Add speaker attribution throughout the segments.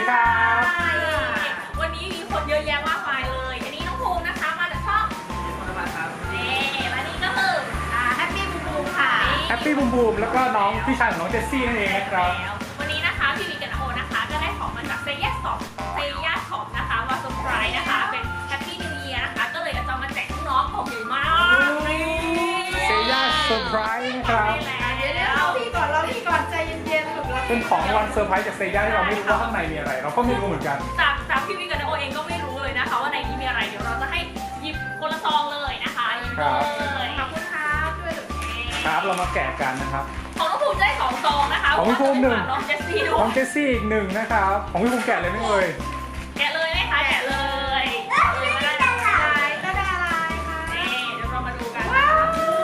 Speaker 1: ดีครับ
Speaker 2: วันนี้มีคนเยอะแยะมากมายเลยอันนี้น้องภูมินะคะมาจากช่องนี่และนี่ก็คือแฮปปี้บูมบูมค่ะ
Speaker 1: แฮปปี้บูมบูมแล้วก็น้องพี่ชายของน้องเจสซี่นั่นเองนะครับ
Speaker 2: วันนี้นะคะพี่วีกับน้องโอนะคะก็ได้ของมาจากเซย่าช็อปนะคะมาเซอร์ไพรส์นะคะเป็นแฮปปี้นิวเยียร์นะคะก็เลยจะมาแจกน้องของใหญ่มาก
Speaker 1: เซย่าเซอร์ไพรส์นะครับ
Speaker 2: เดี๋ยว
Speaker 3: เราพี่ก่อนใจเย็นๆถูกแล้ว
Speaker 1: เป็นของวันเซอร์ไพรส์จากเซย่าที่เราไม่รู้ว่าข้างในมีอะไร เราก็ไม่รู้เหมือนกัน
Speaker 2: จากพี่วีกับน้องโอเองก็ไม่รู้เลยนะคะว่าในนี้มีอะไรเดี๋ยวเราจะให้หยิบคนละซองเลยนะคะหยิบเลยขอบคุณครับช่วยดู
Speaker 1: ครับเรามาแกะกันนะครับ
Speaker 2: ของน้องภูมิได้2ซองนะคะ
Speaker 1: ของพี่ภูมิหนึ่ง
Speaker 2: น้องเจสซี่ด้
Speaker 1: น้
Speaker 2: ว
Speaker 1: อง
Speaker 2: ย
Speaker 1: เจสซี่อีกหนึ่งนะครับของพี่ภูมิแกะเลยไหม่เอ่ย
Speaker 2: แกะเลยไหมคะแกะเลยไม่ได้
Speaker 3: ก็ได้อะไรคะ
Speaker 2: นี่เดี๋ยวเรามาดูกัน
Speaker 3: ว้าว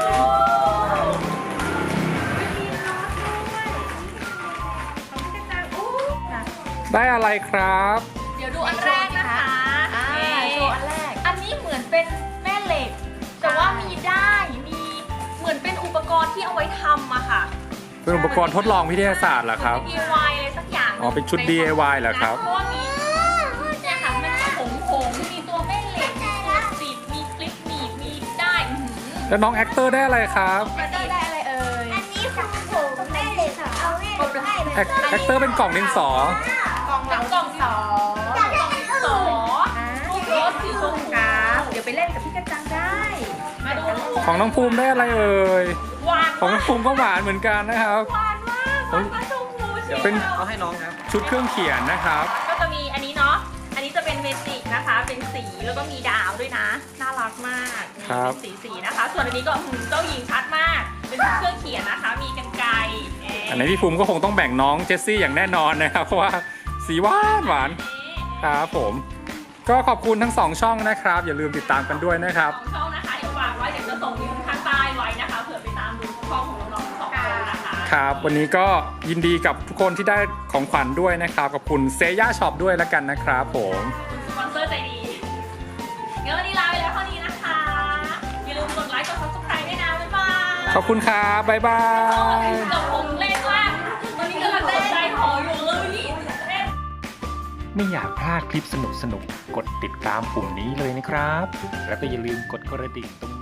Speaker 3: มีน็อตด้วยของพี่กระจังอู้
Speaker 1: ได้อะไรครับ
Speaker 2: เดี๋ยวดูอันแรกนะคะ
Speaker 3: โชว์อันแรก
Speaker 2: อันนี้เหมือนเป็นแม่เหล็ก แต่ว่ามีได้มีเหมือนเป็นอุปกรณ์ที่เอาไว้ทำอะค่ะ
Speaker 1: เป็นอุปกรณ์ทดลองวิทยาศาสตร์เหรอครับ
Speaker 2: เป็น DIY อะไรสักอย่าง
Speaker 1: อ๋อเป็นชุด DIY เหรอครับ
Speaker 2: เพราะว่ามีเนี่ยค่ะมันมีผงมีตัวแม่เหล็กมีตัวสีบมีคลิปหนีบมีได้อื้อหือ
Speaker 1: แล้วน้องแอคเตอร์ได้อะไรครับ
Speaker 3: อันนี้ได้อะไรเอ่ย
Speaker 4: อันนี้ของผมแม่เลยค่ะเอาแม่เลยให้เลย
Speaker 1: แอคเตอร์เป็นกล่องดินสอ
Speaker 3: กล่องเหลากล่องสอง
Speaker 2: ต่อรูปรถสีชมพู
Speaker 3: ครับเดี๋ยวไปเล่นกับพี่กระจังได้
Speaker 2: มาดู
Speaker 1: ของน้องภูมิได้อะไรเอ่ย
Speaker 2: หวาน
Speaker 1: ของน้องภูมิก็หวานเหมือนกันนะครับ
Speaker 2: หวานมากหวานปลาชมพูเชียว
Speaker 1: เป็น
Speaker 5: เอาให้น้องครับ
Speaker 1: ชุดเครื่องเขียนนะครับ
Speaker 2: ก็จะมีอันนี้เนาะ อันนี้จะเป็นเมจิกนะคะ เป็นสีแล้วก็มีดาวด้วยนะ น่ารักมากนี่
Speaker 1: ครับ
Speaker 2: เป็นสีนะคะ ส่วนอันนี้ก็เจ้าหญิงชัดมาก เป็นเครื่องเขียนนะคะ มีกรรไกร
Speaker 1: อันนี้พี่ภูมิก็คงต้องแบ่งน้องเจสซี่อย่างแน่นอนนะครับ เพราะว่าสีหวานหวานครับผม ก็ขอบคุณทั้งสองช่องนะครับ อย่าลืมติดตามกันด้วยนะครับ
Speaker 2: สองช่องนะคะ เดี๋ยวฝากไว้ เดี๋ยวจะส่งลิงก์ข้างใต้ไว้นะคะ เผื่อไปตามดูช่องของน้องๆสองคนนะคะ
Speaker 1: ครับ วันนี้ก็ยินดีกับทุกคนที่ได้ของขวัญด้วยนะครับ ขอบคุณเซย่าช็อปด้วยแล้วกันนะครับผม
Speaker 2: สปอนเซอร์ใจดีงั้นวันนี้ลาไปแล้วเท่านี้นะคะ อย่าลืมกดไลค์ กด subscribe ด้วยนะ บ๊ายบาย
Speaker 1: ขอบคุณครับ บ๊ายบาย
Speaker 2: กับผมเล่นมากวันนี้กำลังตกใจหออยู่เลยเล่น
Speaker 6: ไม่อยากพลาดคลิปสนุกๆ กดติดตามปุ่มนี้เลยนะครับ แล้วก็อย่าลืมกดกระดิ่งตรง